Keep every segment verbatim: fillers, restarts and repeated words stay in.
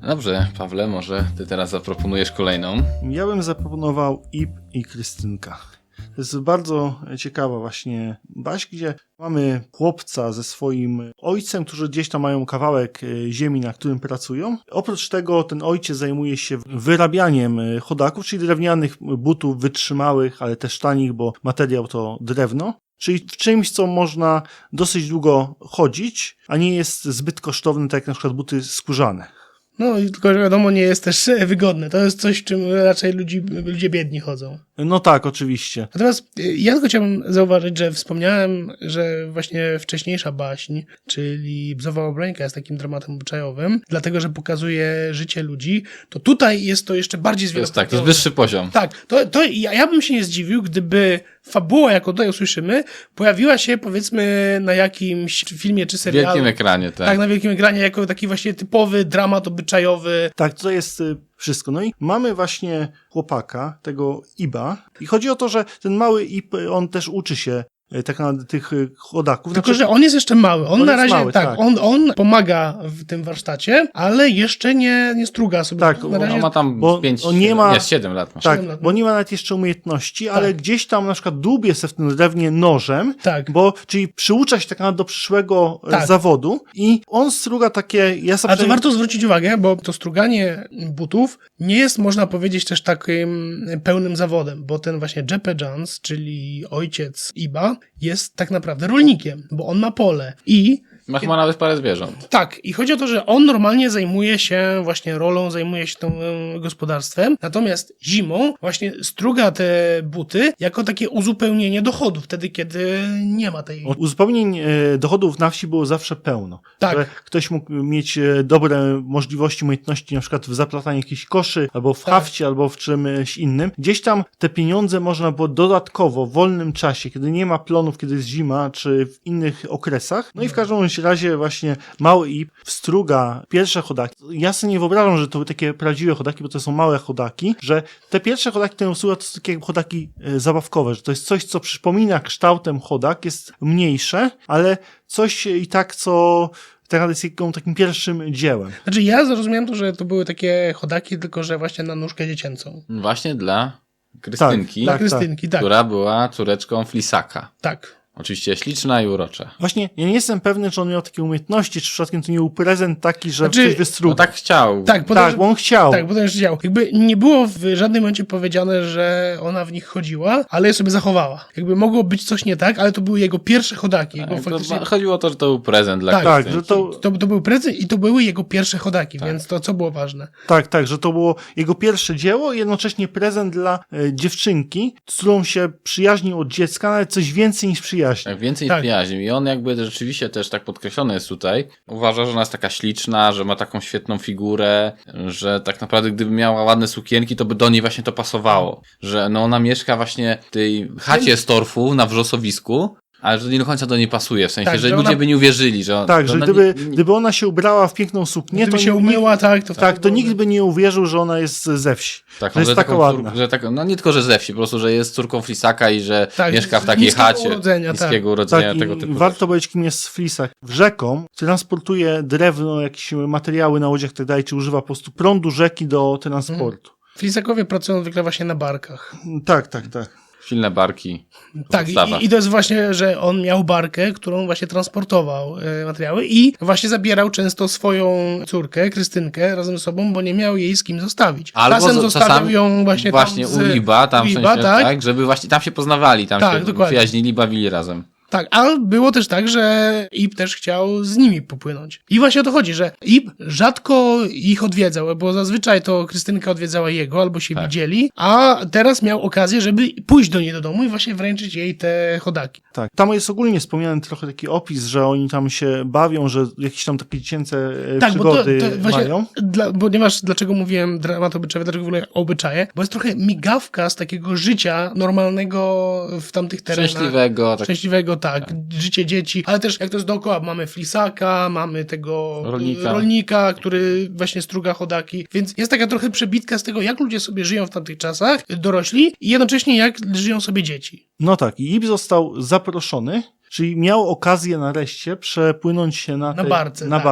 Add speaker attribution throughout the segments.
Speaker 1: Dobrze, Pawle, może ty teraz zaproponujesz kolejną.
Speaker 2: Ja bym zaproponował Ib i Krystynka. To jest bardzo ciekawa właśnie baśń, gdzie mamy chłopca ze swoim ojcem, którzy gdzieś tam mają kawałek ziemi, na którym pracują. Oprócz tego ten ojciec zajmuje się wyrabianiem chodaków, czyli drewnianych butów wytrzymałych, ale też tanich, bo materiał to drewno. Czyli w czymś, co można dosyć długo chodzić, a nie jest zbyt kosztowne, tak jak na przykład buty skórzane.
Speaker 3: No i tylko, że wiadomo, nie jest też wygodne. To jest coś, w czym raczej ludzi, ludzie biedni chodzą.
Speaker 2: No tak, oczywiście.
Speaker 3: Natomiast ja tylko chciałbym zauważyć, że wspomniałem, że właśnie wcześniejsza baśń, czyli Bzowa Obrońka jest takim dramatem obyczajowym, dlatego, że pokazuje życie ludzi, to tutaj jest to jeszcze bardziej
Speaker 1: To jest
Speaker 3: zwielokrotnione.
Speaker 1: tak, to jest wyższy poziom.
Speaker 3: Tak, to, to ja, ja bym się nie zdziwił, gdyby fabuła, jaką tutaj usłyszymy, pojawiła się powiedzmy na jakimś filmie czy
Speaker 1: W
Speaker 3: serialu.
Speaker 1: wielkim ekranie, tak.
Speaker 3: Tak, na wielkim ekranie, jako taki właśnie typowy dramat obyczajowy.
Speaker 2: Tak, to jest y, wszystko. No i mamy właśnie chłopaka, tego Iba. I chodzi o to, że ten mały Ib, on też uczy się y, tak naprawdę tych y, chodaków.
Speaker 3: Tylko,
Speaker 2: Znaczy,
Speaker 3: że on jest jeszcze mały. On,
Speaker 2: On
Speaker 3: na
Speaker 2: jest
Speaker 3: razie,
Speaker 2: mały,
Speaker 3: tak,
Speaker 2: tak.
Speaker 3: On, on pomaga w tym warsztacie, ale jeszcze nie, nie struga sobie.
Speaker 2: Tak,
Speaker 3: na razie
Speaker 1: On ma tam
Speaker 2: Bo
Speaker 1: pięć,
Speaker 2: on nie ma-
Speaker 1: nie, siedem lat masz.
Speaker 2: tak,
Speaker 3: siedem lat, no.
Speaker 2: bo nie ma nawet jeszcze umiejętności, ale
Speaker 3: Tak.
Speaker 2: gdzieś tam na przykład dłubie se w tym drewnie nożem,
Speaker 3: Tak.
Speaker 2: bo, czyli przyucza się tak naprawdę do przyszłego y,
Speaker 3: Tak.
Speaker 2: zawodu i on struga takie, ja sobie
Speaker 3: A to warto zwrócić uwagę, bo to struganie butów nie jest, można powiedzieć, też takim pełnym zawodem, bo ten właśnie Jeppe Jans, czyli ojciec Iba, jest tak naprawdę rolnikiem, bo on ma pole i
Speaker 1: Ma chyba nawet parę zwierząt.
Speaker 3: tak, i chodzi o to, że on normalnie zajmuje się właśnie rolą, zajmuje się tym e, gospodarstwem, natomiast zimą właśnie struga te buty jako takie uzupełnienie dochodów, wtedy kiedy nie ma tej...
Speaker 2: Uzupełnień e, dochodów na wsi było zawsze pełno.
Speaker 3: Tak.
Speaker 2: Że ktoś mógł mieć e, dobre możliwości, umiejętności na przykład w zaplataniu jakichś koszy, albo w
Speaker 3: Tak.
Speaker 2: hafcie, albo w czymś innym. Gdzieś tam te pieniądze można było dodatkowo, w wolnym czasie, kiedy nie ma plonów, kiedy jest zima, czy w innych okresach. No i w każdym razie właśnie mały Ib wstruga pierwsze chodaki. Ja sobie nie wyobrażam, że to były takie prawdziwe chodaki, bo to są małe chodaki, że te pierwsze chodaki, które wstruga, to są takie chodaki e, zabawkowe, że to jest coś, co przypomina kształtem chodak, jest mniejsze, ale coś i tak, co tak naprawdę jest jego takim pierwszym dziełem.
Speaker 3: Znaczy ja zrozumiałem to, że to były takie chodaki, tylko że właśnie na nóżkę dziecięcą.
Speaker 1: Właśnie dla Krystynki,
Speaker 3: Dla
Speaker 2: Tak,
Speaker 3: Krystynki, tak.
Speaker 1: która była córeczką Flisaka.
Speaker 3: Tak.
Speaker 1: Oczywiście śliczna i urocza.
Speaker 2: Właśnie, ja nie jestem pewny, czy on miał takie umiejętności, czy przypadkiem to nie był prezent taki, że
Speaker 3: Znaczy,
Speaker 2: coś wystruga.
Speaker 1: No tak chciał.
Speaker 3: Tak, potem,
Speaker 2: Tak, bo on chciał.
Speaker 3: Tak, bo to już działo. Jakby nie było w żadnym momencie powiedziane, że ona w nich chodziła, ale je sobie zachowała. Jakby mogło być coś nie tak, ale to były jego pierwsze chodaki. Jego
Speaker 1: Tak, to
Speaker 3: faktycznie...
Speaker 1: ma- chodziło o to, że to był prezent dla
Speaker 3: Tak,
Speaker 2: Tak,
Speaker 1: Krystynki.
Speaker 2: że to,
Speaker 3: To, to był prezent i to były jego pierwsze chodaki,
Speaker 1: Tak.
Speaker 3: więc to co było ważne.
Speaker 2: tak, tak, że to było jego pierwsze dzieło i jednocześnie prezent dla e, dziewczynki, z którą się przyjaźnił od dziecka, nawet coś więcej niż przyjaźń.
Speaker 1: Tak, więcej
Speaker 3: Tak.
Speaker 1: przyjaźni. I on jakby rzeczywiście też tak podkreślony jest tutaj. Uważa, że ona jest taka śliczna, że ma taką świetną figurę, że tak naprawdę gdyby miała ładne sukienki, to by do niej właśnie to pasowało. Że no ona mieszka właśnie w tej chacie z torfu na wrzosowisku, ale że nie do końca do niej pasuje. W sensie,
Speaker 3: Tak,
Speaker 1: że
Speaker 3: że
Speaker 1: ludzie
Speaker 3: ona-
Speaker 1: by nie uwierzyli, że
Speaker 2: Tak, że
Speaker 1: ona
Speaker 2: gdyby,
Speaker 1: nie, nie,
Speaker 2: gdyby ona się ubrała w piękną suknię,
Speaker 3: Gdyby
Speaker 2: to
Speaker 3: się
Speaker 2: nikt-
Speaker 3: umyła, tak, to
Speaker 2: tak, to nikt by nie uwierzył, że ona jest ze wsi.
Speaker 1: tak,
Speaker 2: że jest
Speaker 1: że
Speaker 2: taka
Speaker 1: taką
Speaker 2: ładna.
Speaker 1: cór- że tak, no nie tylko, że ze wsi, po prostu, że jest córką Flisaka i że
Speaker 3: Tak,
Speaker 1: mieszka w
Speaker 3: z
Speaker 1: takiej
Speaker 3: niskiego
Speaker 1: chacie.
Speaker 3: urodzenia, tak.
Speaker 1: niskiego urodzenia,
Speaker 2: Tak,
Speaker 1: tego
Speaker 2: i
Speaker 1: typu.
Speaker 2: warto powiedzieć, kim jest Flisak. Rzeką transportuje drewno, jakieś materiały na łodziach i tak dalej, czy używa po prostu prądu rzeki do transportu.
Speaker 3: Flisakowie pracują zwykle właśnie na barkach.
Speaker 2: Tak, tak, tak.
Speaker 1: Silne barki.
Speaker 3: Tak,
Speaker 1: Podstawa.
Speaker 3: i, i to jest właśnie, że on miał barkę, którą właśnie transportował e, materiały i właśnie zabierał często swoją córkę, Krystynkę, razem ze sobą, bo nie miał jej z kim zostawić.
Speaker 1: Albo
Speaker 3: Czasem
Speaker 1: z-
Speaker 3: zostawiał
Speaker 1: czasami
Speaker 3: ją właśnie,
Speaker 1: Właśnie
Speaker 3: tam z,
Speaker 1: u Liba, tam
Speaker 3: u
Speaker 1: w
Speaker 3: Liba,
Speaker 1: sensie,
Speaker 3: tak,
Speaker 1: tak, żeby właśnie tam się poznawali, tam
Speaker 3: Tak,
Speaker 1: się
Speaker 3: dokładnie.
Speaker 1: przyjaźnili, bawili razem.
Speaker 3: Tak, ale było też tak, że Ib też chciał z nimi popłynąć. I właśnie o to chodzi, że Ib rzadko ich odwiedzał, bo zazwyczaj to Krystynka odwiedzała jego, albo się
Speaker 1: Tak.
Speaker 3: widzieli, a teraz miał okazję, żeby pójść do niej do domu i właśnie wręczyć jej te chodaki.
Speaker 2: Tak. Tam jest ogólnie wspomniany trochę taki opis, że oni tam się bawią, że jakieś tam takie dziecięce e,
Speaker 3: Tak, bo to,
Speaker 2: przygody
Speaker 3: to właśnie,
Speaker 2: mają.
Speaker 3: dla, ponieważ dlaczego mówiłem dramat obyczajowy, dlaczego w ogóle obyczaje, bo jest trochę migawka z takiego życia normalnego w tamtych terenach.
Speaker 1: Szczęśliwego, tak.
Speaker 3: Szczęśliwego, tak, życie dzieci, ale też jak to jest dookoła, mamy Flisaka, mamy tego
Speaker 1: Rolnika.
Speaker 3: rolnika, który właśnie struga chodaki, więc jest taka trochę przebitka z tego, jak ludzie sobie żyją w tamtych czasach, dorośli, i jednocześnie jak żyją sobie dzieci.
Speaker 2: No tak, i Ib został zaproszony, czyli miał okazję nareszcie przepłynąć się na,
Speaker 3: Na
Speaker 2: tej,
Speaker 3: barce,
Speaker 2: na
Speaker 3: tak.
Speaker 2: barce.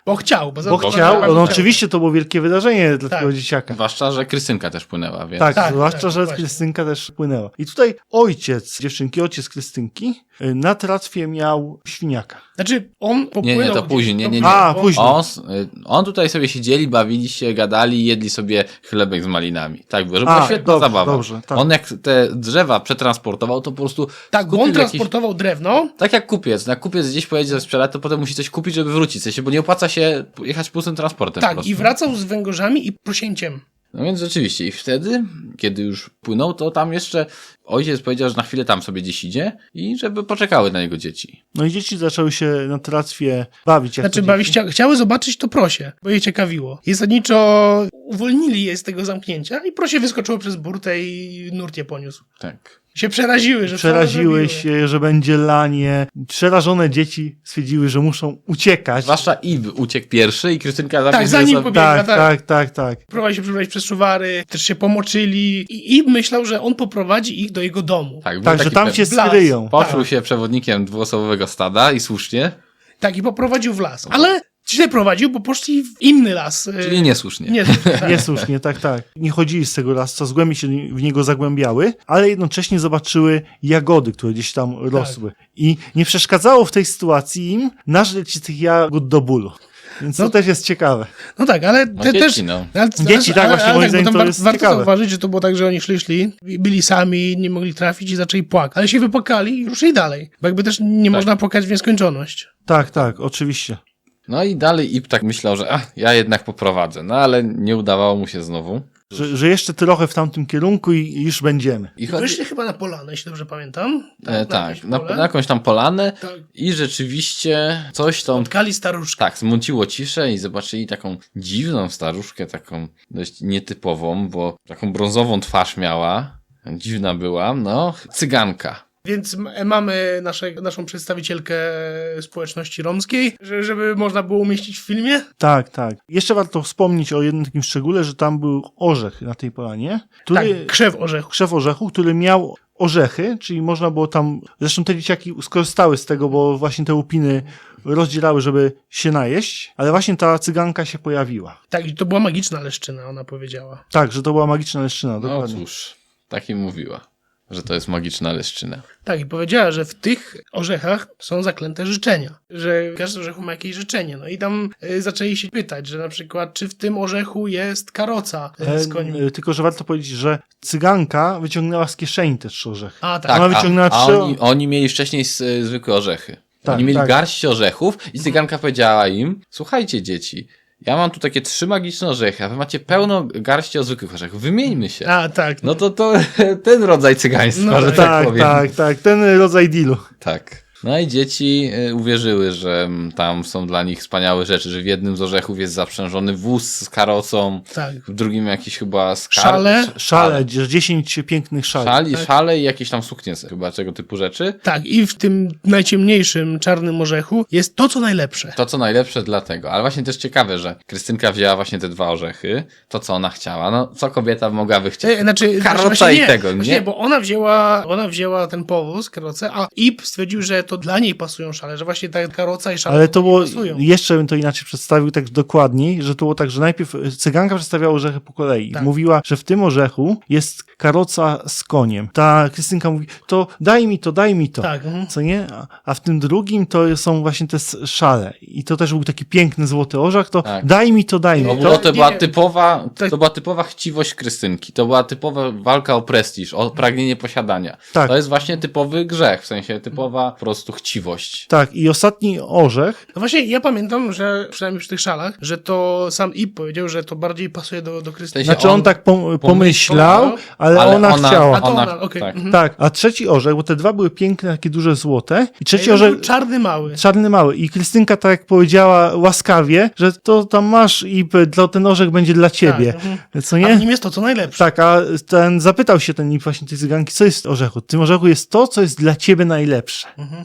Speaker 3: Bo chciał. Bo, za-
Speaker 2: Bo
Speaker 3: bo-
Speaker 2: chciał,
Speaker 3: bo-
Speaker 2: no oczywiście to było wielkie wydarzenie dla
Speaker 3: Tak.
Speaker 2: tego dzieciaka.
Speaker 1: Zwłaszcza, że Krystynka też płynęła, więc...
Speaker 2: Tak,
Speaker 3: Tak,
Speaker 2: zwłaszcza,
Speaker 3: tak,
Speaker 2: że
Speaker 3: właśnie.
Speaker 2: Krystynka też płynęła. I tutaj ojciec dziewczynki, ojciec Krystynki y, na tratwie miał świniaka.
Speaker 3: Znaczy, on popłynął...
Speaker 1: Nie, nie, to
Speaker 3: gdzieś-
Speaker 1: później, nie, nie, nie.
Speaker 2: A,
Speaker 3: on-
Speaker 2: później.
Speaker 1: On, s- on tutaj sobie siedzieli, bawili się, gadali, jedli sobie chlebek z malinami. Tak było, że była
Speaker 2: A,
Speaker 1: świetna
Speaker 2: dobrze,
Speaker 1: zabawa.
Speaker 2: dobrze, tak.
Speaker 1: On jak te drzewa przetransportował, to po prostu...
Speaker 3: Tak, bo on
Speaker 1: skupił jakiś-
Speaker 3: transportował drewno.
Speaker 1: Tak jak kupiec. Jak kupiec gdzieś pojedzie sprzedać, to potem musi coś kupić, żeby wrócić. W sensie, bo nie opłaca się jechać pustym transportem po
Speaker 3: Tak,
Speaker 1: prostu.
Speaker 3: i wracał z węgorzami i prosięciem.
Speaker 1: No więc rzeczywiście. I wtedy, kiedy już płynął, to tam jeszcze ojciec powiedział, że na chwilę tam sobie gdzieś idzie i żeby poczekały na niego dzieci.
Speaker 2: No i dzieci zaczęły się na tratwie bawić. Jak
Speaker 3: Znaczy,
Speaker 2: to
Speaker 3: bawi,
Speaker 2: dzieci.
Speaker 3: chcia, chciały zobaczyć to prosie, bo je ciekawiło. I zasadniczo uwolnili je z tego zamknięcia i prosie wyskoczyło przez burtę i nurt je poniósł.
Speaker 1: Tak.
Speaker 3: Się przeraziły, że
Speaker 2: Przeraziły
Speaker 3: co
Speaker 2: się, że będzie lanie. Przerażone dzieci stwierdziły, że muszą uciekać.
Speaker 1: Zwłaszcza Ib uciekł pierwszy i Krystynka
Speaker 3: Tak,
Speaker 1: zabiegła
Speaker 3: za nim
Speaker 1: sobie-
Speaker 3: pobiegła,
Speaker 2: Tak,
Speaker 3: tak.
Speaker 2: tak, tak, tak.
Speaker 3: Próbowali się przebrać przez szuwary, też się pomoczyli i, i myślał, że on poprowadzi ich do jego domu.
Speaker 1: Tak, był
Speaker 2: Tak, że
Speaker 1: taki
Speaker 2: tam
Speaker 1: pe-
Speaker 2: się
Speaker 3: Blas.
Speaker 2: skryją.
Speaker 1: Poczuł
Speaker 3: tak.
Speaker 1: się przewodnikiem dwuosobowego stada i słusznie,
Speaker 3: Tak, i poprowadził w las. Ale źle prowadził, bo poszli w inny las.
Speaker 1: czyli niesłusznie.
Speaker 3: Nie, tak.
Speaker 2: Niesłusznie, tak, tak. Nie chodzili z tego lasu, coraz głębiej się w niego zagłębiały, ale jednocześnie zobaczyły jagody, które gdzieś tam rosły. I nie przeszkadzało w tej sytuacji im nażreć się tych jagód do bólu. Więc to
Speaker 3: No.
Speaker 2: też jest ciekawe.
Speaker 3: No tak, ale
Speaker 1: No
Speaker 3: te,
Speaker 1: dzieci,
Speaker 3: też...
Speaker 1: no.
Speaker 3: Ale,
Speaker 2: Dzieci, tak, właśnie, moim
Speaker 3: bo
Speaker 2: zdaniem
Speaker 3: tam
Speaker 2: to
Speaker 3: war,
Speaker 2: jest
Speaker 3: warto
Speaker 2: ciekawe.
Speaker 3: zauważyć, że to było tak, że oni szli, szli, byli sami, nie mogli trafić i zaczęli płakać. Ale się wypłakali i ruszyli dalej. Bo jakby też nie
Speaker 1: Tak.
Speaker 3: można płakać w nieskończoność.
Speaker 2: Tak, tak, oczywiście.
Speaker 1: No i dalej Ib tak myślał, że ach, ja jednak poprowadzę. No ale nie udawało mu się znowu.
Speaker 2: Że, że jeszcze trochę w tamtym kierunku i, i już będziemy.
Speaker 1: I chodzi...
Speaker 3: Wyszli chyba na polanę, jeśli dobrze pamiętam.
Speaker 1: E, tak,
Speaker 3: jakieś
Speaker 1: na,
Speaker 3: pole.
Speaker 1: na jakąś tam polanę
Speaker 3: Tak.
Speaker 1: i rzeczywiście coś tam
Speaker 3: Spotkali staruszkę.
Speaker 1: tak, zmuciło ciszę i zobaczyli taką dziwną staruszkę, taką dość nietypową, bo taką brązową twarz miała, dziwna była, no, cyganka.
Speaker 3: Więc m- mamy nasze, naszą przedstawicielkę społeczności romskiej, że, żeby można było umieścić w filmie.
Speaker 2: Tak, tak. Jeszcze warto wspomnieć o jednym takim szczególe, że tam był orzech na tej polanie, który,
Speaker 3: Tak, krzew orzechu.
Speaker 2: krzew orzechu, który miał orzechy, czyli można było tam, zresztą te dzieciaki skorzystały z tego, bo właśnie te łupiny rozdzielały, żeby się najeść, ale właśnie ta cyganka się pojawiła.
Speaker 3: Tak, i to była magiczna leszczyna, ona powiedziała.
Speaker 2: Tak, że to była magiczna leszczyna,
Speaker 1: No
Speaker 2: dokładnie.
Speaker 1: cóż, tak im mówiła, że to jest magiczna leszczyna.
Speaker 3: Tak, i powiedziała, że w tych orzechach są zaklęte życzenia, że każdy orzechu ma jakieś życzenie. No i tam y, zaczęli się pytać, że na przykład, czy w tym orzechu jest karoca y, z końmi.
Speaker 2: E, tylko, że warto powiedzieć, że cyganka wyciągnęła z kieszeni też trzy orzechy.
Speaker 3: A, tak.
Speaker 2: Ona
Speaker 1: a,
Speaker 2: wyciągnęła
Speaker 1: a
Speaker 2: trzy-
Speaker 1: oni, oni mieli wcześniej s- zwykłe orzechy.
Speaker 2: Tak,
Speaker 1: oni mieli
Speaker 2: tak.
Speaker 1: garść orzechów i cyganka powiedziała im, słuchajcie dzieci, ja mam tu takie trzy magiczne orzechy, a wy macie pełno garści o zwykłych orzechów, wymieńmy się.
Speaker 3: A, tak.
Speaker 1: No to to ten rodzaj cygaństwa,
Speaker 3: No
Speaker 1: że
Speaker 3: tak,
Speaker 1: tak,
Speaker 2: Tak,
Speaker 1: powiem.
Speaker 2: tak, tak, ten rodzaj dealu.
Speaker 1: Tak. No i dzieci y, uwierzyły, że mm, tam są dla nich wspaniałe rzeczy, że w jednym z orzechów jest zaprzężony wóz z karocą,
Speaker 3: Tak.
Speaker 1: w drugim jakiś chyba skar...
Speaker 3: Szale.
Speaker 1: sz-
Speaker 2: Szale, dziesięć pięknych szali.
Speaker 1: Szali,
Speaker 3: Tak.
Speaker 1: szale i jakieś tam suknie chyba, tego typu rzeczy.
Speaker 3: Tak, i w tym najciemniejszym czarnym orzechu jest to, co najlepsze.
Speaker 1: To, co najlepsze dlatego. Ale właśnie też ciekawe, że Krystynka wzięła właśnie te dwa orzechy, to, co ona chciała. No, co kobieta mogłaby chcieć?
Speaker 3: E, Znaczy,
Speaker 1: Karota
Speaker 3: właśnie
Speaker 1: i
Speaker 3: nie,
Speaker 1: tego,
Speaker 3: właśnie
Speaker 1: nie?
Speaker 3: bo ona wzięła, ona wzięła ten powóz, karocę, a Ip stwierdził, że to dla niej pasują szale, że właśnie ta karoca i szale
Speaker 2: Ale to
Speaker 3: nie
Speaker 2: było,
Speaker 3: pasują.
Speaker 2: jeszcze bym to inaczej przedstawił tak dokładniej, że to było tak, że najpierw cyganka przedstawiała orzechy po kolei.
Speaker 3: Tak.
Speaker 2: Mówiła, że w tym orzechu jest karoca z koniem. Ta Krystynka mówi, to daj mi to, daj mi to.
Speaker 3: Tak, mhm.
Speaker 2: Co nie? A- A w tym drugim to są właśnie te s- szale. I to też był taki piękny złoty orzech, to
Speaker 1: Tak.
Speaker 2: daj mi to, daj mi
Speaker 1: No
Speaker 2: to.
Speaker 1: bo to
Speaker 3: nie,
Speaker 1: była
Speaker 3: nie.
Speaker 1: typowa,
Speaker 3: Tak.
Speaker 1: to była typowa chciwość Krystynki. To była typowa walka o prestiż, o pragnienie posiadania.
Speaker 2: Tak.
Speaker 1: To jest właśnie typowy grzech, w sensie typowa po prostu chciwość.
Speaker 2: Tak, i ostatni orzech,
Speaker 3: No właśnie, ja pamiętam, że przynajmniej przy tych szalach, że to sam Ip powiedział, że to bardziej pasuje do, do Krystynki.
Speaker 1: W sensie
Speaker 2: znaczy on,
Speaker 1: on
Speaker 2: tak pom- pomyślał,
Speaker 3: pomyślał,
Speaker 2: ale,
Speaker 1: ale
Speaker 2: ona,
Speaker 1: ona-
Speaker 2: chciała.
Speaker 3: A to
Speaker 1: ona-
Speaker 3: ona, okej.
Speaker 1: tak.
Speaker 3: mhm.
Speaker 2: Tak, a trzeci orzech, bo te dwa były piękne, takie duże złote. I trzeci
Speaker 3: Jeden
Speaker 2: orzech,
Speaker 3: był czarny mały.
Speaker 2: czarny mały. I Krystynka tak jak powiedziała łaskawie, że to tam masz i p- to ten orzech będzie dla ciebie.
Speaker 3: Tak, mhm.
Speaker 2: Co
Speaker 3: A
Speaker 2: nie?
Speaker 3: w nim jest to, co najlepsze.
Speaker 2: Tak, a ten zapytał się ten właśnie tej cyganki, co jest w orzechu? W tym orzechu jest to, co jest dla ciebie najlepsze.
Speaker 3: Mhm.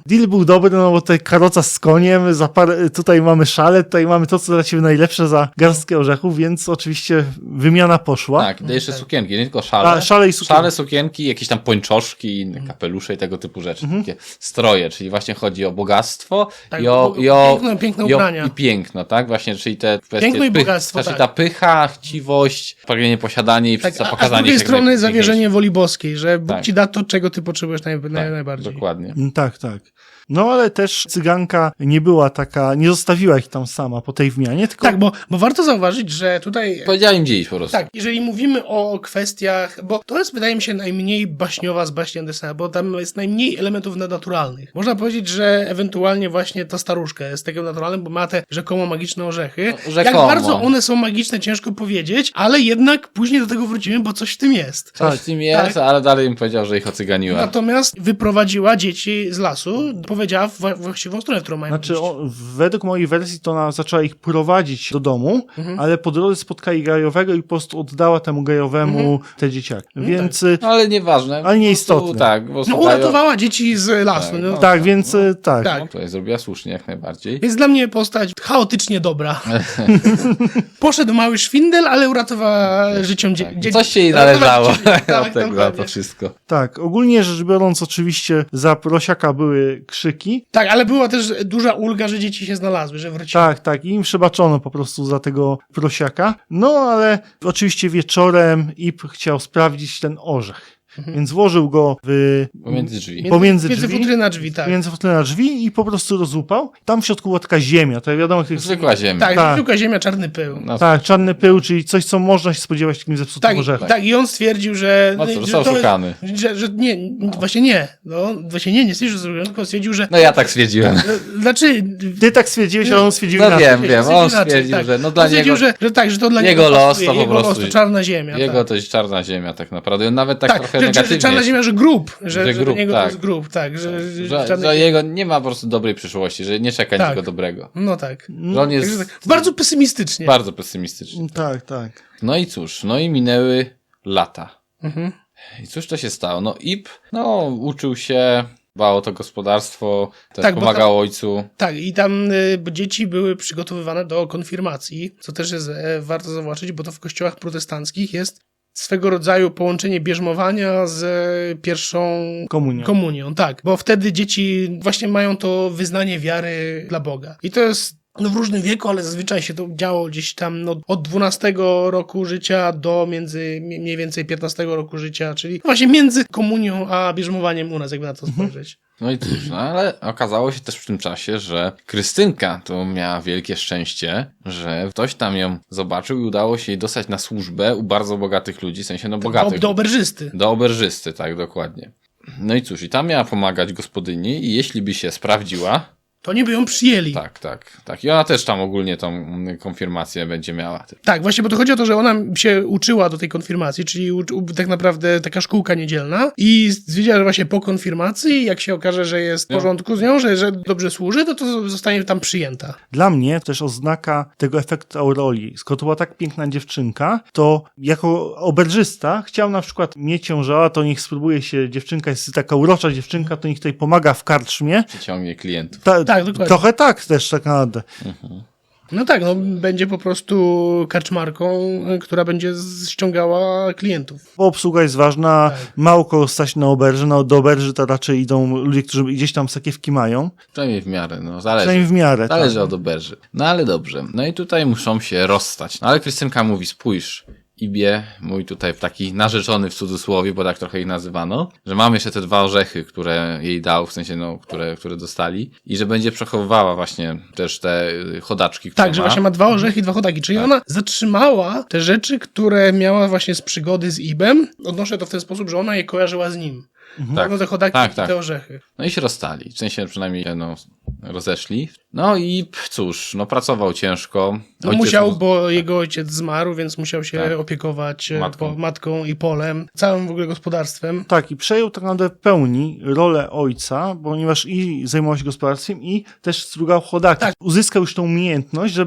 Speaker 2: deal był dobry, no bo tutaj karoca z koniem, za parę, tutaj mamy szale, tutaj mamy to, co dla ciebie najlepsze za garstkę orzechów, więc oczywiście wymiana poszła.
Speaker 1: Tak, i jeszcze sukienki, nie tylko szale.
Speaker 2: A, szale i sukienki.
Speaker 1: Szale, sukienki, jakieś tam pończoszki, inne kapelusze i tego typu rzeczy.
Speaker 2: Mhm.
Speaker 1: Takie stroje, czyli właśnie chodzi o bogactwo
Speaker 3: Tak,
Speaker 1: i o,
Speaker 3: bo-
Speaker 1: i o,
Speaker 3: piękne- piękne
Speaker 1: i, o
Speaker 3: ubrania.
Speaker 1: i piękno, tak? Właśnie, czyli te kwestie.
Speaker 3: Piękno i
Speaker 1: pych-
Speaker 3: bogactwo,
Speaker 1: Znaczy
Speaker 3: tak.
Speaker 1: ta pycha, chciwość, pragnienie posiadania i
Speaker 3: Tak,
Speaker 1: tak,
Speaker 3: a, a z
Speaker 1: pokazanie
Speaker 3: drugiej
Speaker 1: się. jak
Speaker 3: strony
Speaker 1: najpiękniejsze.
Speaker 3: zawierzenie woli boskiej, że Bóg
Speaker 1: Tak.
Speaker 3: ci da to, czego ty potrzebujesz naj, naj,
Speaker 1: Tak,
Speaker 3: najbardziej.
Speaker 1: dokładnie.
Speaker 2: Mm, Tak, tak. No ale też cyganka nie była taka, nie zostawiła ich tam sama po tej wmianie, tylko
Speaker 3: Tak, bo, bo warto zauważyć, że tutaj...
Speaker 1: Powiedziała im gdzie iść po prostu.
Speaker 3: Tak, jeżeli mówimy o kwestiach, bo to jest, wydaje mi się, najmniej baśniowa z baśni Andersena, bo tam jest najmniej elementów nadnaturalnych. Można powiedzieć, że ewentualnie właśnie ta staruszka jest takim naturalnym, bo ma te rzekomo magiczne orzechy.
Speaker 1: No, rzekomo.
Speaker 3: Jak bardzo one są magiczne, ciężko powiedzieć, ale jednak później do tego wrócimy, bo coś w tym jest.
Speaker 1: Coś
Speaker 2: Tak,
Speaker 1: w tym jest,
Speaker 3: tak.
Speaker 1: ale dalej im powiedział, że ich ocyganiła.
Speaker 3: Natomiast wyprowadziła dzieci z lasu, powiedziała w właściwą stronę, w którą mają
Speaker 2: Znaczy,
Speaker 3: iść.
Speaker 2: o, według mojej wersji to ona zaczęła ich prowadzić do domu,
Speaker 3: Mhm.
Speaker 2: ale po drodze spotkali gejowego i po prostu oddała temu gejowemu
Speaker 3: Mhm.
Speaker 2: te dzieciaki.
Speaker 3: No
Speaker 2: Więc
Speaker 3: tak.
Speaker 2: y,
Speaker 1: No ale nieważne.
Speaker 2: Ale nieistotne.
Speaker 1: Po prostu, Tak, bo
Speaker 3: No
Speaker 1: słuchają-
Speaker 3: uratowała dzieci z lasu.
Speaker 1: Tak,
Speaker 3: no.
Speaker 1: no.
Speaker 2: tak, więc y, tak.
Speaker 3: Tak.
Speaker 1: No, tutaj zrobiła słusznie jak najbardziej.
Speaker 3: Jest dla mnie postać chaotycznie dobra. Poszedł mały szwindel, ale uratowała życiom dzie-
Speaker 1: Tak.
Speaker 3: dzieci.
Speaker 1: Coś się jej
Speaker 3: Uratowała
Speaker 1: należało
Speaker 3: dzieci. Tak,
Speaker 1: od tego za
Speaker 3: dokładnie.
Speaker 1: to wszystko.
Speaker 2: Tak, ogólnie rzecz biorąc, oczywiście za prosiaka były krzyki.
Speaker 3: Tak, ale była też duża ulga, że dzieci się znalazły, że wróciły.
Speaker 2: Tak, tak, i im przebaczono po prostu za tego prosiaka. No, ale oczywiście wieczorem Ip chciał sprawdzić ten orzech. Więc włożył go w...
Speaker 1: Pomiędzy drzwi.
Speaker 3: Między,
Speaker 2: pomiędzy
Speaker 3: między
Speaker 2: drzwi?
Speaker 3: futry na drzwi, tak.
Speaker 2: Między na drzwi i po prostu rozłupał. Tam w środku była taka ziemia, to wiadomo, jak to jest...
Speaker 1: Zwykła ziemia.
Speaker 3: Tak,
Speaker 2: Tak.
Speaker 3: zwykła ziemia, czarny pył.
Speaker 1: No,
Speaker 2: Tak, czarny pył, czyli coś, co można się spodziewać w takim zepsutym
Speaker 3: Tak,
Speaker 2: orzechem.
Speaker 3: tak, i on stwierdził, że...
Speaker 1: No co,
Speaker 3: że
Speaker 1: został
Speaker 3: to-
Speaker 1: szukany.
Speaker 3: Że, że nie, właśnie nie. No, właśnie nie, nie stwierdził, że został szukany, tylko stwierdził, że...
Speaker 1: no ja tak stwierdziłem.
Speaker 3: Znaczy...
Speaker 2: Ty tak stwierdziłeś, ale on stwierdził
Speaker 1: No
Speaker 2: inaczej.
Speaker 1: wiem, wiem.
Speaker 3: stwierdził
Speaker 1: On
Speaker 3: inaczej,
Speaker 1: stwierdził,
Speaker 3: tak.
Speaker 1: że no
Speaker 3: On
Speaker 1: dla
Speaker 3: stwierdził,
Speaker 1: niego...
Speaker 3: że, że tak, że to dla
Speaker 1: jego
Speaker 3: niego
Speaker 1: los
Speaker 3: pasuje,
Speaker 1: to po
Speaker 3: jego
Speaker 1: prostu-
Speaker 3: los to czarna ziemia.
Speaker 1: Jego
Speaker 3: tak.
Speaker 1: to jest czarna ziemia tak naprawdę. On nawet tak,
Speaker 3: Tak,
Speaker 1: trochę
Speaker 3: że, że,
Speaker 1: negatywnie...
Speaker 3: że czarna ziemia, że grób, że,
Speaker 1: Że
Speaker 3: że, że
Speaker 1: grób,
Speaker 3: do niego
Speaker 1: tak.
Speaker 3: to jest grób, tak. Że, że,
Speaker 1: Że,
Speaker 3: czarny-
Speaker 1: że jego nie ma po prostu dobrej przyszłości, że nie czeka
Speaker 3: Tak.
Speaker 1: niczego dobrego.
Speaker 3: No tak.
Speaker 1: Że on
Speaker 3: Także
Speaker 1: jest
Speaker 3: tak. Bardzo pesymistycznie.
Speaker 1: bardzo pesymistyczny.
Speaker 2: Tak, tak.
Speaker 1: No i cóż, no i minęły lata.
Speaker 3: Mhm.
Speaker 1: I cóż to się stało? No Ip, no uczył się, dbał o to gospodarstwo, też
Speaker 3: Tak, bo
Speaker 1: pomagał ojcu.
Speaker 3: Tak, i tam y, bo dzieci były przygotowywane do konfirmacji, co też jest e, warto zauważyć, bo to w kościołach protestanckich jest swego rodzaju połączenie bierzmowania z e, pierwszą
Speaker 2: Komunią.
Speaker 3: komunią. Tak, bo wtedy dzieci właśnie mają to wyznanie wiary dla Boga. I to jest no w różnym wieku, ale zazwyczaj się to działo gdzieś tam no, od dwunastego roku życia do między mniej więcej piętnastego roku życia, czyli właśnie między komunią a bierzmowaniem u nas, jakby na to spojrzeć.
Speaker 1: No i cóż, no ale okazało się też w tym czasie, że Krystynka to miała wielkie szczęście, że ktoś tam ją zobaczył i udało się jej dostać na służbę u bardzo bogatych ludzi, w sensie no
Speaker 3: Do,
Speaker 1: bogatych.
Speaker 3: do oberżysty.
Speaker 1: Do oberżysty, tak, dokładnie. No i cóż, i tam miała pomagać gospodyni i jeśli by się sprawdziła,
Speaker 3: To nie by ją przyjęli.
Speaker 1: tak, tak, tak. I ona też tam ogólnie tą mm, konfirmację będzie miała.
Speaker 3: Tak, właśnie, bo to chodzi o to, że ona się uczyła do tej konfirmacji, czyli u, u, tak naprawdę taka szkółka niedzielna i stwierdziła, że właśnie po konfirmacji, jak się okaże, że jest w
Speaker 1: No.
Speaker 3: porządku z nią, że, że dobrze służy, to to zostanie tam przyjęta.
Speaker 2: Dla mnie też oznaka tego efektu auroli. Skoro to była tak piękna dziewczynka, to jako oberżysta chciał na przykład mieć ją, że a, to niech spróbuje się, dziewczynka jest taka urocza dziewczynka, to niech tutaj pomaga w karczmie.
Speaker 1: Przyciągnie klientów.
Speaker 2: Ta,
Speaker 3: Tak, dokładnie.
Speaker 2: trochę tak też tak naprawdę.
Speaker 3: No tak, no będzie po prostu karczmarką, y, która będzie ściągała klientów.
Speaker 2: Bo obsługa jest ważna,
Speaker 3: Tak.
Speaker 2: mało kogo stać na oberży, no do oberży to raczej idą ludzie, którzy gdzieś tam sakiewki mają,
Speaker 1: Przynajmniej w miarę, no zależy.
Speaker 2: przynajmniej w miarę.
Speaker 1: Zależy
Speaker 2: tak.
Speaker 1: od oberży. No ale dobrze. No i tutaj muszą się rozstać. No ale Krystynka mówi, spójrz, Ibie, mój tutaj taki narzeczony w cudzysłowie, bo tak trochę ich nazywano, że mam jeszcze te dwa orzechy, które jej dał, w sensie no, które, które dostali i że będzie przechowywała właśnie też te y, chodaczki, które
Speaker 3: Tak, że
Speaker 1: ma.
Speaker 3: właśnie ma dwa orzechy i dwa chodaki, czyli ona zatrzymała te rzeczy, które miała właśnie z przygody z Ibem. Odnoszę to w ten sposób, że ona je kojarzyła z nim.
Speaker 1: Tak.
Speaker 3: No te chodaki
Speaker 1: Tak,
Speaker 3: i
Speaker 1: tak.
Speaker 3: te orzechy.
Speaker 1: No i się rozstali, w sensie przynajmniej się no, rozeszli. No i p- cóż, no pracował ciężko.
Speaker 3: No
Speaker 1: Ojciec
Speaker 3: musiał,
Speaker 1: mu-
Speaker 3: bo jego ojciec zmarł, więc musiał się
Speaker 1: Tak.
Speaker 3: opiekować
Speaker 1: Matką.
Speaker 3: matką. Po, matką i polem, całym w ogóle gospodarstwem.
Speaker 2: Tak, i przejął tak naprawdę w pełni rolę ojca, ponieważ i zajmował się gospodarstwem, i też strugał chodaki.
Speaker 3: Tak.
Speaker 2: Uzyskał już tą umiejętność, żeby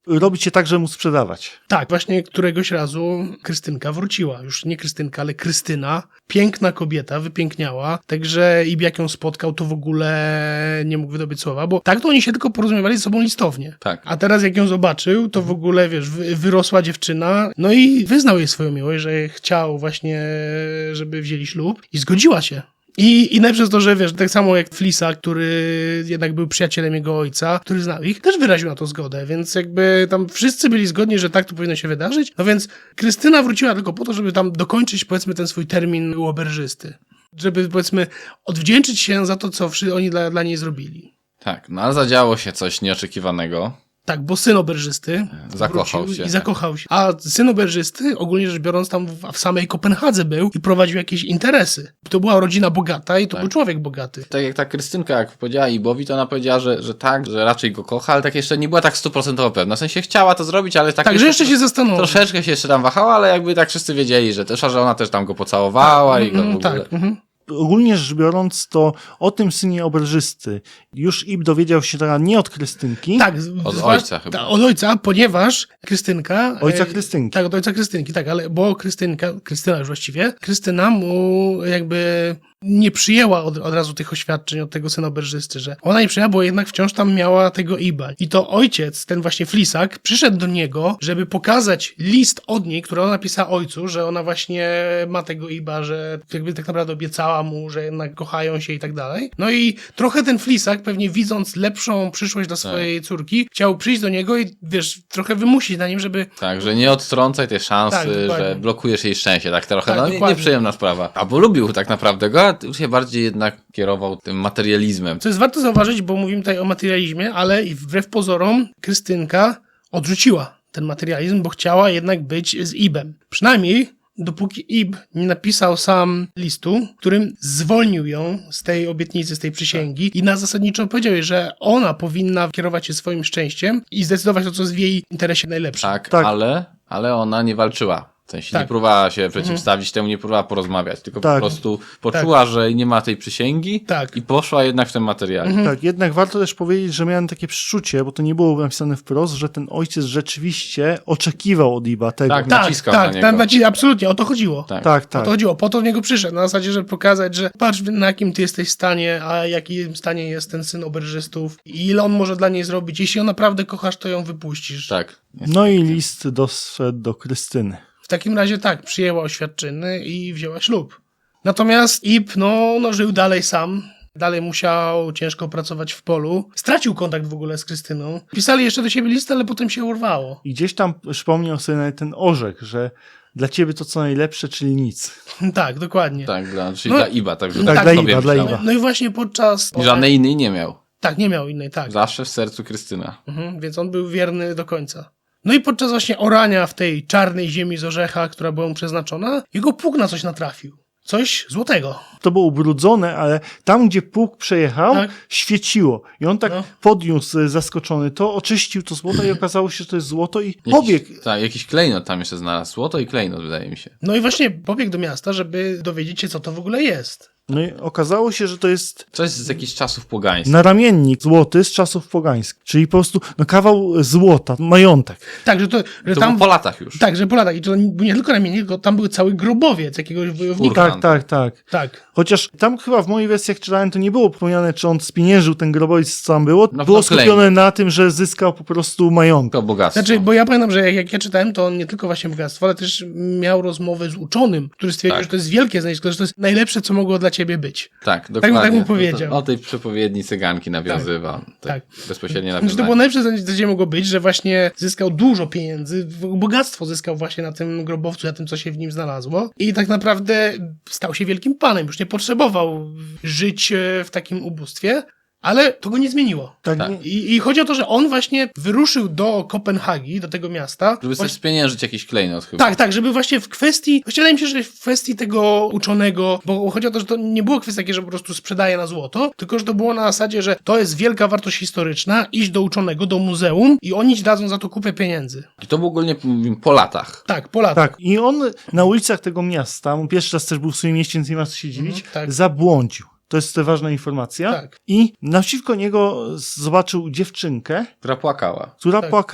Speaker 2: robić się tak, żeby mu sprzedawać.
Speaker 3: Tak, właśnie któregoś razu Krystynka wróciła. Już nie Krystynka, ale Krystyna. Piękna kobieta, wypiękniała. Także Ib jak ją spotkał, to w ogóle nie mógł wydobyć słowa, bo tak to oni się tylko porozumiewali ze sobą listownie.
Speaker 1: Tak.
Speaker 3: A teraz jak ją zobaczył, to w ogóle, wiesz, wy- wyrosła dziewczyna, no i wyznał jej swoją miłość, że chciał właśnie, żeby wzięli ślub i zgodziła się. I, I najpierw to, że wiesz, tak samo jak Flisa, który jednak był przyjacielem jego ojca, który znał ich, też wyraził na to zgodę, więc jakby tam wszyscy byli zgodni, że tak to powinno się wydarzyć. No więc Krystyna wróciła tylko po to, żeby tam dokończyć, powiedzmy, ten swój termin łoberzysty. Żeby, powiedzmy, odwdzięczyć się za to, co wszy- oni dla, dla niej zrobili.
Speaker 1: Tak, no ale zadziało się coś nieoczekiwanego.
Speaker 3: Tak, bo syn oberżysty
Speaker 1: Zakochał
Speaker 3: wrócił
Speaker 1: się,
Speaker 3: i
Speaker 1: tak.
Speaker 3: zakochał się. A syn oberżysty, ogólnie rzecz biorąc, tam w, w samej Kopenhadze był i prowadził jakieś interesy. To była rodzina bogata i to
Speaker 1: Tak.
Speaker 3: był człowiek bogaty.
Speaker 1: Tak jak ta Krystynka, jak powiedziała Ibowi, to ona powiedziała, że, że tak, że raczej go kocha, ale tak jeszcze nie była tak stuprocentowo pewna. W sensie chciała to zrobić, ale tak...
Speaker 3: Także jeszcze się zastanowił.
Speaker 1: Troszeczkę się jeszcze tam wahała, ale jakby tak wszyscy wiedzieli, że też, że ona też tam go pocałowała i go w
Speaker 3: Mhm,
Speaker 1: ogóle...
Speaker 3: tak. Mhm.
Speaker 2: Ogólnie rzecz biorąc, to o tym synie oberżysty już Ib dowiedział się teraz nie od Krystynki,
Speaker 3: Tak, z-
Speaker 1: Od
Speaker 3: zwa-
Speaker 1: ojca chyba.
Speaker 3: Ta, od ojca, ponieważ Krystynka...
Speaker 2: ojca
Speaker 3: e,
Speaker 2: Krystynki.
Speaker 3: Tak, od ojca Krystynki, tak, ale bo Krystynka, Krystyna już właściwie, Krystyna mu jakby nie przyjęła od, od razu tych oświadczeń od tego syna oberżysty, że ona nie przyjęła, bo jednak wciąż tam miała tego Iba. I to ojciec, ten właśnie Flisak, przyszedł do niego, żeby pokazać list od niej, który ona napisała ojcu, że ona właśnie ma tego Iba, że jakby tak naprawdę obiecała mu, że jednak kochają się i tak dalej. No i trochę ten Flisak, pewnie widząc lepszą przyszłość dla swojej córki, chciał przyjść do niego i wiesz, trochę wymusić na nim, żeby
Speaker 1: Tak, że nie odtrącaj tej szansy,
Speaker 3: Tak, dokładnie.
Speaker 1: że blokujesz jej szczęście, tak trochę,
Speaker 3: Tak,
Speaker 1: no nie-
Speaker 3: dokładnie.
Speaker 1: nieprzyjemna sprawa. A bo lubił tak naprawdę go, a się bardziej jednak kierował tym materializmem.
Speaker 3: Co jest warto zauważyć, bo mówimy tutaj o materializmie, ale i wbrew pozorom Krystynka odrzuciła ten materializm, bo chciała jednak być z Ibem. Przynajmniej dopóki Ib nie napisał sam listu, którym zwolnił ją z tej obietnicy, z tej przysięgi i na zasadniczo powiedział jej, że ona powinna kierować się swoim szczęściem i zdecydować to, co jest w jej interesie najlepsze.
Speaker 1: Tak,
Speaker 2: Tak.
Speaker 1: Ale, ale ona nie walczyła. W sensie
Speaker 3: Tak.
Speaker 1: nie próbowała się przeciwstawić temu, nie próbowała porozmawiać, tylko
Speaker 2: Tak.
Speaker 1: po prostu poczuła, że nie ma tej przysięgi
Speaker 3: Tak.
Speaker 1: i poszła jednak w ten materiał.
Speaker 2: Tak, jednak warto też powiedzieć, że miałem takie przeczucie, bo to nie było napisane wprost, że ten ojciec rzeczywiście oczekiwał od Iba tego.
Speaker 1: Tak,
Speaker 3: Tak,
Speaker 1: naciskał
Speaker 3: tak,
Speaker 1: na
Speaker 3: tak,
Speaker 1: niego.
Speaker 3: naci- absolutnie, o to chodziło.
Speaker 1: Tak.
Speaker 2: tak,
Speaker 3: O
Speaker 2: tak.
Speaker 3: to chodziło, po to w niego przyszedł, na zasadzie, żeby pokazać, że patrz na jakim ty jesteś stanie, a jakim stanie jest ten syn oberżystów i ile on może dla niej zrobić. Jeśli ją naprawdę kochasz, to ją wypuścisz.
Speaker 1: Tak.
Speaker 2: No i list doszedł do Krystyny.
Speaker 3: W takim razie tak, przyjęła oświadczyny i wzięła ślub. Natomiast Ib, no, no żył dalej sam. Dalej musiał ciężko pracować w polu. Stracił kontakt w ogóle z Krystyną. Pisali jeszcze do siebie listy, ale potem się urwało.
Speaker 2: I gdzieś tam przypomniał sobie nawet ten orzech, że dla ciebie to co najlepsze, czyli nic.
Speaker 3: Tak, dokładnie.
Speaker 1: Tak, dla, czyli
Speaker 3: No,
Speaker 1: dla Iba. Tak, że
Speaker 2: tak,
Speaker 1: tak
Speaker 2: dla
Speaker 1: sobie
Speaker 2: Iba, dla
Speaker 1: myślałem.
Speaker 2: Iba.
Speaker 3: No i właśnie podczas...
Speaker 1: I żadnej innej nie miał.
Speaker 3: Tak, nie miał innej, tak.
Speaker 1: Zawsze w sercu Krystyna.
Speaker 3: Mhm, więc on był wierny do końca. No i podczas właśnie orania w tej czarnej ziemi z orzecha, która była mu przeznaczona, jego pług na coś natrafił. Coś złotego.
Speaker 2: To było ubrudzone, ale tam, gdzie pług przejechał,
Speaker 3: Tak.
Speaker 2: świeciło. I on tak
Speaker 3: No.
Speaker 2: podniósł e, zaskoczony to, oczyścił to złoto i okazało się, że to jest złoto i pobiegł.
Speaker 1: Jakiś, tak, jakiś klejnot tam jeszcze znalazł. Złoto i klejnot, wydaje mi się.
Speaker 3: No i właśnie pobiegł do miasta, żeby dowiedzieć się, co to w ogóle jest.
Speaker 2: No i okazało się, że to jest
Speaker 1: Coś z jakichś czasów pogańskich.
Speaker 2: naramiennik złoty z czasów pogańskich. Czyli po prostu no, kawał złota, majątek.
Speaker 3: Tak, że to, że
Speaker 1: To
Speaker 3: tam...
Speaker 1: było po latach już.
Speaker 3: Tak, że po latach. I to był nie tylko ramiennik, tylko tam był cały grobowiec jakiegoś wojownika.
Speaker 1: Furman.
Speaker 2: Tak, tak, tak.
Speaker 3: Tak.
Speaker 2: Chociaż tam chyba w moich wersjach czytałem, to nie było wspomniane, czy on spieniężył ten grobowiec, co tam było.
Speaker 1: No,
Speaker 2: było
Speaker 1: no,
Speaker 2: skupione
Speaker 1: klejnot.
Speaker 2: na tym, że zyskał po prostu majątek.
Speaker 1: To bogactwo.
Speaker 3: Znaczy, bo ja pamiętam, że jak, jak ja czytałem, to on nie tylko właśnie bogactwo, ale też miał rozmowę z uczonym, który stwierdził,
Speaker 1: Tak.
Speaker 3: że to jest wielkie znalezisko, że to jest najlepsze, co mogło dla ciebie być.
Speaker 1: Tak, dokładnie.
Speaker 3: tak mu powiedział.
Speaker 1: O tej przepowiedni cyganki nawiązywał. Tak.
Speaker 3: tak.
Speaker 1: Bezpośrednio
Speaker 3: Znaczy, to
Speaker 1: nawiązanie.
Speaker 3: było najlepsze, co gdzie mogło być, że właśnie zyskał dużo pieniędzy, bogactwo zyskał właśnie na tym grobowcu, na tym, co się w nim znalazło. I tak naprawdę stał się wielkim panem, już nie potrzebował żyć e, w takim ubóstwie, ale to go nie zmieniło.
Speaker 2: Tak,
Speaker 1: Tak.
Speaker 2: nie-
Speaker 3: I, I chodzi o to, że on właśnie wyruszył do Kopenhagi, do tego miasta.
Speaker 1: Żeby sobie
Speaker 3: właśnie,
Speaker 1: spieniężyć jakiś klejnot chyba.
Speaker 3: tak, tak, żeby właśnie w kwestii, właśnie wydaje mi się, że w kwestii tego uczonego, bo chodzi o to, że to nie było kwestia takie, że po prostu sprzedaje na złoto, tylko że to było na zasadzie, że to jest wielka wartość historyczna, iść do uczonego, do muzeum i oni ci dadzą za to kupę pieniędzy.
Speaker 1: I to było ogólnie mówimy, po latach.
Speaker 3: Tak, po latach.
Speaker 2: Tak, i on na ulicach tego miasta, on pierwszy raz też był w swoim mieście, więc nie ma co się dziwić,
Speaker 3: Mhm, tak.
Speaker 2: zabłądził. To jest ważna informacja.
Speaker 3: Tak.
Speaker 2: I naprzeciwko niego zobaczył dziewczynkę,
Speaker 1: Która płakała.
Speaker 2: która
Speaker 3: Tak.
Speaker 2: płakała.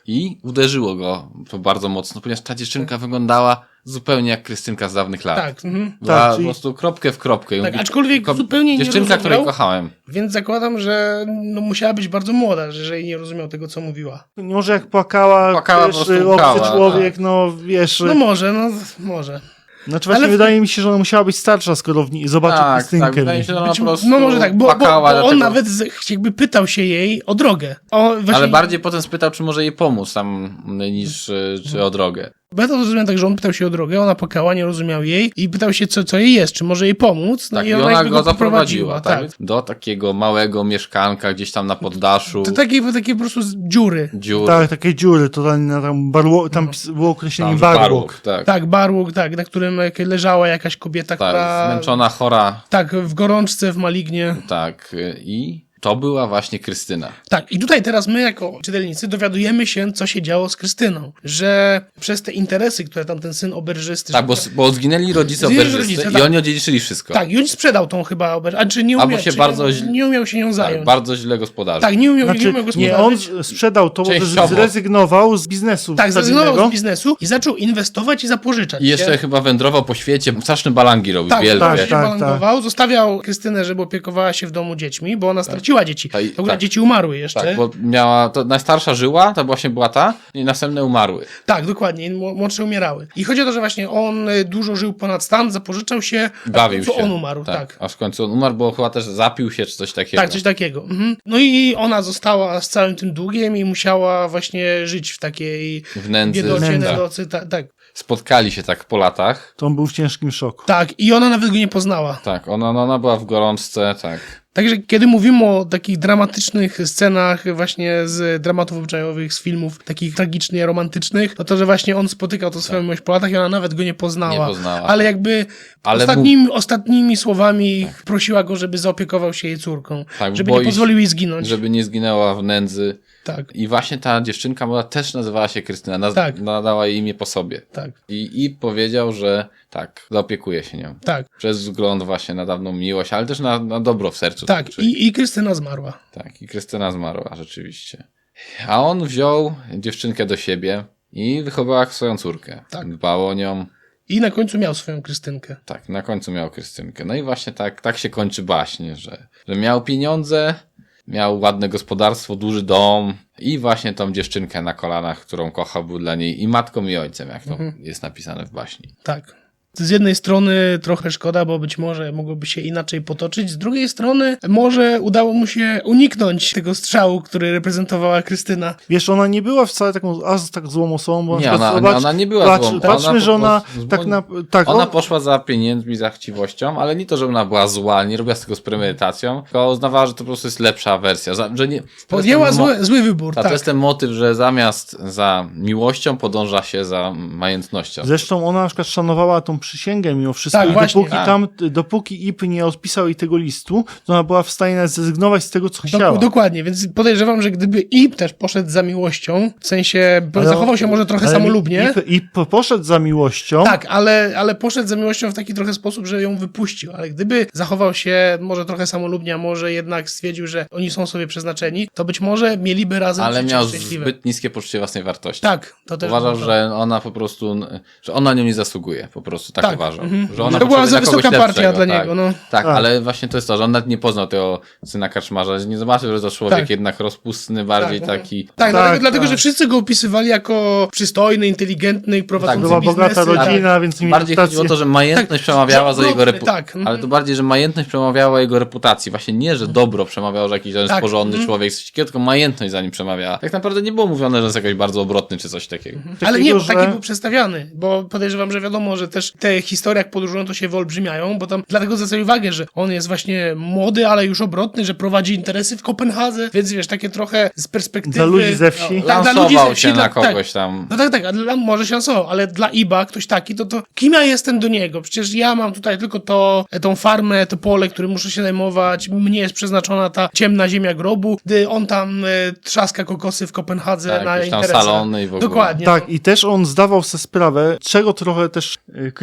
Speaker 1: I uderzyło go to bardzo mocno, ponieważ ta dziewczynka wyglądała zupełnie jak Krystynka z dawnych lat.
Speaker 3: Tak. Mhm.
Speaker 1: Była
Speaker 2: Tak,
Speaker 1: po
Speaker 2: czyli-
Speaker 1: prostu kropkę w kropkę. I
Speaker 3: Tak,
Speaker 1: mówi,
Speaker 3: aczkolwiek
Speaker 1: ko-
Speaker 3: zupełnie nie
Speaker 1: Dziewczynka,
Speaker 3: rozumiał,
Speaker 1: której kochałem.
Speaker 3: Więc zakładam, że no, musiała być bardzo młoda, że jeżeli nie rozumiał tego, co mówiła.
Speaker 2: Może jak płakała,
Speaker 1: Płakała,
Speaker 2: wiesz,
Speaker 1: po prostu
Speaker 2: obcy
Speaker 1: łkała,
Speaker 2: człowiek, no wiesz...
Speaker 3: No może, no może.
Speaker 2: Znaczy właśnie
Speaker 3: ale-
Speaker 2: wydaje mi się, że ona musiała być starsza, skoro w niej zobaczył
Speaker 1: Tak,
Speaker 2: Krystynkę.
Speaker 1: tak, wydaje mi się, że ona
Speaker 3: Być,
Speaker 1: po prostu
Speaker 3: no może tak, bo, bo, bo
Speaker 1: płakała,
Speaker 3: on
Speaker 1: dlatego-
Speaker 3: nawet z, jakby pytał się jej o drogę. O, właśnie,
Speaker 1: Ale bardziej potem spytał, czy może jej pomóc tam, niż y, czy o drogę.
Speaker 3: Bo ja to zrozumiałem tak, że on pytał się o drogę, ona płakała, nie rozumiał jej i pytał się, co, co jej jest, czy może jej pomóc. No
Speaker 1: Tak,
Speaker 3: i
Speaker 1: i
Speaker 3: ona,
Speaker 1: ona
Speaker 3: jakby
Speaker 1: go zaprowadziła,
Speaker 3: poprowadziła,
Speaker 1: tak? Do takiego małego mieszkanka gdzieś tam na poddaszu.
Speaker 3: To takie, takie po prostu z dziury.
Speaker 1: Dziur.
Speaker 2: Tak, takie dziury, totalnie tam, barło, tam pis- było określenie
Speaker 1: tam, że
Speaker 2: barłok.
Speaker 1: barłok, tak.
Speaker 3: Tak, barłóg, tak, na którym jak leżała jakaś kobieta,
Speaker 1: Tak,
Speaker 3: która...
Speaker 1: zmęczona, chora,
Speaker 3: Tak, w gorączce, w malignie.
Speaker 1: tak. y, I to była właśnie Krystyna.
Speaker 3: Tak, i tutaj teraz my jako czytelnicy dowiadujemy się, co się działo z Krystyną. Że przez te interesy, które tam ten syn oberżysty...
Speaker 1: Tak, bo, bo zginęli rodzice
Speaker 3: Zginęli
Speaker 1: oberżysty
Speaker 3: rodzice,
Speaker 1: i
Speaker 3: tak.
Speaker 1: oni odziedziczyli wszystko.
Speaker 3: Tak, i on sprzedał tą chyba oberżystę, a czy nie
Speaker 1: Albo
Speaker 3: umiał,
Speaker 1: się
Speaker 3: czy
Speaker 1: bardzo
Speaker 3: nie,
Speaker 1: źle-
Speaker 3: nie umiał się nią
Speaker 1: Tak,
Speaker 3: zająć.
Speaker 1: bardzo źle gospodarze.
Speaker 3: Tak, nie umiał, nie
Speaker 2: Znaczy,
Speaker 3: umiał
Speaker 2: nie, on
Speaker 3: gospodarzyć.
Speaker 2: sprzedał to, bo
Speaker 1: Częściowo.
Speaker 2: zrezygnował z biznesu
Speaker 3: Tak, zrezygnował
Speaker 2: stabilnego.
Speaker 3: z biznesu i zaczął inwestować i zapożyczać
Speaker 1: I jeszcze
Speaker 3: się.
Speaker 1: chyba wędrował po świecie, straszne balangi robił,
Speaker 3: Tak,
Speaker 1: wielkie.
Speaker 3: tak,
Speaker 2: Tak,
Speaker 3: się
Speaker 2: tak,
Speaker 3: balangował, zostawiał Krystynę, żeby opiekowała się w domu dziećmi, bo ona straciła dzieci.
Speaker 1: Tak, i-
Speaker 3: W ogóle
Speaker 1: tak.
Speaker 3: dzieci umarły jeszcze.
Speaker 1: Tak, bo miała, to najstarsza żyła, to właśnie była ta, i następne umarły.
Speaker 3: Tak, dokładnie, mł- młodsze umierały. I chodzi o to, że właśnie on y, dużo żył ponad stan, zapożyczał się, a w
Speaker 1: Bawił
Speaker 3: końcu
Speaker 1: się.
Speaker 3: on umarł, tak. tak.
Speaker 1: Aż w końcu on umarł, bo chyba też zapił się, czy coś takiego.
Speaker 3: Tak, coś takiego. Mhm. No i ona została z całym tym długiem i musiała właśnie żyć w takiej
Speaker 1: W nędzy.
Speaker 3: biedocie,
Speaker 2: Nędza.
Speaker 3: nedocy, tak, tak.
Speaker 1: Spotkali się tak po latach.
Speaker 2: To on był w ciężkim szoku.
Speaker 3: Tak, i ona nawet go nie poznała.
Speaker 1: Tak, ona, no, ona była w gorączce, tak.
Speaker 3: Także kiedy mówimy o takich dramatycznych scenach właśnie z dramatów obyczajowych, z filmów takich tragicznie romantycznych, no to, że właśnie on spotykał to swoją miłość po latach i ona nawet go nie poznała.
Speaker 1: Nie poznała.
Speaker 3: Ale jakby
Speaker 1: Ale
Speaker 3: ostatnimi, ostatnimi słowami prosiła go, żeby zaopiekował się jej córką.
Speaker 1: Tak,
Speaker 3: żeby
Speaker 1: boi
Speaker 3: nie
Speaker 1: się,
Speaker 3: pozwolił jej zginąć.
Speaker 1: Żeby nie zginęła w nędzy.
Speaker 3: Tak,
Speaker 1: I właśnie ta dziewczynka młoda też nazywała się Krystyna. Naz-
Speaker 3: Tak.
Speaker 1: Nadała jej imię po sobie.
Speaker 3: tak,
Speaker 1: I, I powiedział, że tak, zaopiekuje się nią.
Speaker 3: tak,
Speaker 1: Przez wzgląd właśnie na dawną miłość, ale też na, na dobro w sercu.
Speaker 3: tak.
Speaker 1: Czyli-
Speaker 3: I, I Krystyna zmarła.
Speaker 1: Tak, i Krystyna zmarła, rzeczywiście. A on wziął dziewczynkę do siebie i wychował jak swoją córkę.
Speaker 3: Tak.
Speaker 1: Dbał o nią.
Speaker 3: I na końcu miał swoją Krystynkę.
Speaker 1: Tak, na końcu miał Krystynkę. No i właśnie tak, tak się kończy baśnie, że, że miał pieniądze, miał ładne gospodarstwo, duży dom i właśnie tą dziewczynkę na kolanach, którą kochał, był dla niej i matką i ojcem, jak to
Speaker 3: Mhm.
Speaker 1: jest napisane w baśni.
Speaker 3: Tak. Z jednej strony trochę szkoda, bo być może mogłoby się inaczej potoczyć. Z drugiej strony może udało mu się uniknąć tego strzału, który reprezentowała Krystyna.
Speaker 2: Wiesz, ona nie była wcale taką aż tak złą osobą, bo na
Speaker 1: Nie,
Speaker 2: przykład
Speaker 1: ona,
Speaker 2: zobacz,
Speaker 1: ona nie była
Speaker 2: patrz,
Speaker 1: złą.
Speaker 2: patrzmy,
Speaker 1: ona
Speaker 2: że
Speaker 1: po
Speaker 2: ona
Speaker 1: prostu-
Speaker 2: tak na... Tak,
Speaker 1: Ona
Speaker 2: on,
Speaker 1: poszła za pieniędzmi, za chciwością, ale nie to, że ona była zła, nie robiła z tego z premedytacją, tylko uznawała, że to po prostu jest lepsza wersja. Za, że nie, to jest
Speaker 3: Podjęła
Speaker 1: ten mo-
Speaker 3: zły, zły wybór,
Speaker 1: Ta,
Speaker 3: tak.
Speaker 1: To jest ten motyw, że zamiast za miłością podąża się za majętnością.
Speaker 2: Zresztą ona na przykład szanowała tą przysięgę mimo wszystko
Speaker 3: Tak,
Speaker 2: i
Speaker 3: właśnie.
Speaker 2: dopóki
Speaker 1: Tak.
Speaker 2: tam, dopóki I P nie odpisał jej tego listu, to ona była w stanie nawet zrezygnować z tego, co chciała.
Speaker 3: Dok- dokładnie, więc podejrzewam, że gdyby Ip też poszedł za miłością, w sensie bo
Speaker 2: Ale-
Speaker 3: zachował się może trochę
Speaker 2: ale
Speaker 3: samolubnie,
Speaker 2: I, I P poszedł za miłością.
Speaker 3: tak, ale, ale poszedł za miłością w taki trochę sposób, że ją wypuścił, ale gdyby zachował się może trochę samolubnie, a może jednak stwierdził, że oni są sobie przeznaczeni, to być może mieliby razem
Speaker 1: Ale
Speaker 3: życie
Speaker 1: miał
Speaker 3: szczęśliwe.
Speaker 1: zbyt niskie poczucie własnej wartości.
Speaker 3: Tak, to też
Speaker 1: Uważał,
Speaker 3: było to.
Speaker 1: że ona po prostu, że ona nią nie zasługuje, po prostu tak,
Speaker 3: Tak,
Speaker 1: uważał.
Speaker 3: mhm.
Speaker 1: Że ona
Speaker 3: To była
Speaker 1: potrzebuje
Speaker 3: za
Speaker 1: kogoś
Speaker 3: wysoka partia
Speaker 1: lepszego,
Speaker 3: dla
Speaker 1: tak.
Speaker 3: niego, no.
Speaker 1: Tak,
Speaker 2: Tak.
Speaker 1: ale właśnie to jest to, że on nawet nie poznał tego syna karczmarza, że nie zobaczył, że to człowiek
Speaker 3: Tak.
Speaker 1: jednak rozpustny, bardziej
Speaker 3: Tak,
Speaker 1: taki...
Speaker 3: Tak,
Speaker 2: Tak,
Speaker 3: dlatego, dlatego,
Speaker 2: tak.
Speaker 3: że wszyscy go opisywali jako przystojny, inteligentny, prowadzący
Speaker 2: Była
Speaker 3: biznesy.
Speaker 2: bogata
Speaker 3: tak.
Speaker 2: rodzina, więc mieli
Speaker 1: Bardziej
Speaker 2: reputację.
Speaker 1: chodziło o to, że majętność przemawiała za jego
Speaker 3: Dobry,
Speaker 1: reputację.
Speaker 3: tak, mhm.
Speaker 1: Ale to bardziej, że majętność przemawiała jego reputacji. Właśnie nie, że dobro przemawiało, że jakiś ten
Speaker 3: Tak,
Speaker 1: porządny
Speaker 3: mhm.
Speaker 1: człowiek, coś takiego, tylko majętność za nim przemawiała. Tak naprawdę nie było mówione, że jest jakoś bardzo obrotny czy coś takiego.
Speaker 3: Ale nie,
Speaker 2: Takiego,
Speaker 3: bo taki
Speaker 2: że-
Speaker 3: był przedstawiany, bo podejrzewam, że wiadomo, że też te historie jak podróżują to się wyolbrzymiają, bo tam dlatego zwracaj uwagę, że on jest właśnie młody, ale już obrotny, że prowadzi interesy w Kopenhadze, więc wiesz, takie trochę z perspektywy...
Speaker 2: Dla ludzi ze wsi.
Speaker 3: No, tak, dla ludzi
Speaker 1: Lansował
Speaker 3: ze wsi,
Speaker 1: się na
Speaker 3: tak, tak.
Speaker 1: kogoś tam.
Speaker 3: No tak, tak, a dla, może się lansował, ale dla Iba ktoś taki, to to kim ja jestem do niego? Przecież ja mam tutaj tylko to, tą farmę, to pole, którym muszę się zajmować, mnie jest przeznaczona ta ciemna ziemia grobu, gdy on tam e, trzaska kokosy w Kopenhadze
Speaker 1: Tak,
Speaker 3: na
Speaker 1: jakieś tam
Speaker 3: interesach.
Speaker 1: salony i w ogóle.
Speaker 3: Dokładnie.
Speaker 2: Tak, i też on zdawał sobie sprawę, czego trochę też y,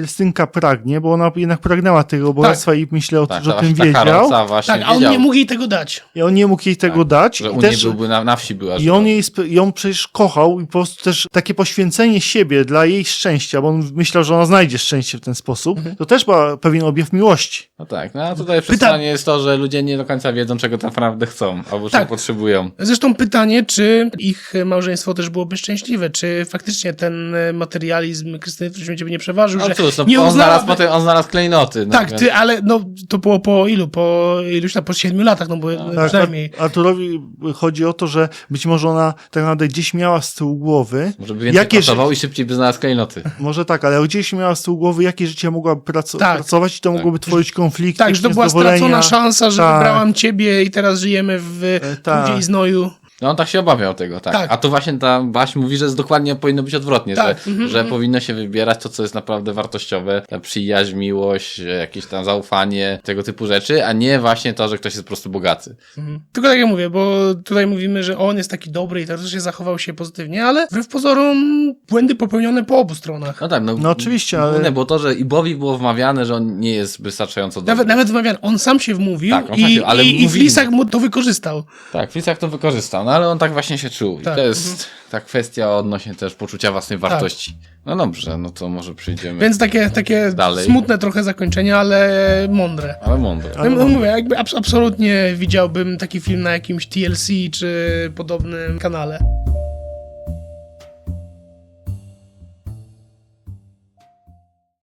Speaker 2: Krystynka pragnie, bo ona jednak pragnęła tego bogactwa i myślę, o,
Speaker 1: Tak,
Speaker 2: że o
Speaker 1: ta,
Speaker 2: tym
Speaker 1: ta
Speaker 2: wiedział.
Speaker 1: Karoca właśnie
Speaker 3: Tak, a on
Speaker 1: wiedział,
Speaker 3: nie mógł jej tego dać.
Speaker 2: I on nie mógł jej tego
Speaker 1: Tak,
Speaker 2: dać.
Speaker 1: że
Speaker 2: I,
Speaker 1: u
Speaker 2: też,
Speaker 1: niej byłby na, na wsi była.
Speaker 2: I on jej, sp- ją przecież kochał i po prostu też takie poświęcenie siebie dla jej szczęścia, bo on myślał, że ona znajdzie szczęście w ten sposób,
Speaker 3: Mhm.
Speaker 2: to też był pewien objaw miłości.
Speaker 1: No tak, no a tutaj przesłanie jest to, że ludzie nie do końca wiedzą, czego tak naprawdę chcą, albo czego
Speaker 3: Tak.
Speaker 1: potrzebują.
Speaker 3: Zresztą pytanie, czy ich małżeństwo też byłoby szczęśliwe, czy faktycznie ten materializm Krystyny w którymś momencie by nie przeważył,
Speaker 1: No
Speaker 3: że
Speaker 1: cóż, no,
Speaker 3: nie
Speaker 1: on, znalazł
Speaker 3: uznałaby...
Speaker 1: potem, on znalazł klejnoty. No,
Speaker 3: Tak,
Speaker 1: więc-
Speaker 3: ty, ale no to było po ilu? Po iluś tam, po siedmiu latach, no bo
Speaker 2: Tak,
Speaker 3: przynajmniej.
Speaker 2: Ar- Arturowi chodzi o to, że być może ona tak naprawdę gdzieś miała z tyłu głowy,
Speaker 1: Może by więcej
Speaker 2: jakie ży-
Speaker 1: pracował i szybciej by znalazł klejnoty.
Speaker 2: może tak, ale gdzieś miała z tyłu głowy, jakie życie mogłaby praco-
Speaker 3: Tak.
Speaker 2: pracować i to mogłoby tworzyć konflikty,
Speaker 3: Tak, że to była
Speaker 2: niezadowolenia.
Speaker 3: stracona szansa, że
Speaker 2: Tak.
Speaker 3: wybrałam ciebie i teraz żyjemy w
Speaker 2: tak.
Speaker 3: trudzie i znoju.
Speaker 1: No on tak się obawiał tego, tak.
Speaker 3: Tak.
Speaker 1: A tu właśnie ta Baś mówi, że jest dokładnie powinno być odwrotnie,
Speaker 3: Tak.
Speaker 1: że,
Speaker 3: Mhm,
Speaker 1: że
Speaker 3: mhm.
Speaker 1: powinno się wybierać to, co jest naprawdę wartościowe, ta przyjaźń, miłość, jakieś tam zaufanie, tego typu rzeczy, a nie właśnie to, że ktoś jest po prostu bogaty.
Speaker 3: Mhm. Tylko tak jak mówię, bo tutaj mówimy, że on jest taki dobry i teoretycznie zachował się pozytywnie, ale wbrew pozorom błędy popełnione po obu stronach.
Speaker 1: No tak, no,
Speaker 2: No oczywiście, ale-
Speaker 1: główne było to, że Ibowi było wmawiane, że on nie jest wystarczająco dobry.
Speaker 3: Nawet, nawet wymawiany, on sam się wmówił
Speaker 1: Tak, on sam
Speaker 3: i,
Speaker 1: się- ale
Speaker 3: i, i
Speaker 1: mówili.
Speaker 3: Flisak mu to wykorzystał.
Speaker 1: Tak, Flisak to wykorzystał, no ale on tak właśnie się czuł. I
Speaker 3: Tak,
Speaker 1: to jest ta kwestia odnośnie też poczucia własnej wartości. No dobrze, no to może przyjdziemy.
Speaker 3: Więc takie, takie
Speaker 1: Dalej.
Speaker 3: smutne trochę zakończenie, ale mądre.
Speaker 1: Ale mądre.
Speaker 3: No, no mówię, jakby abs- absolutnie widziałbym taki film na jakimś T L C czy podobnym kanale.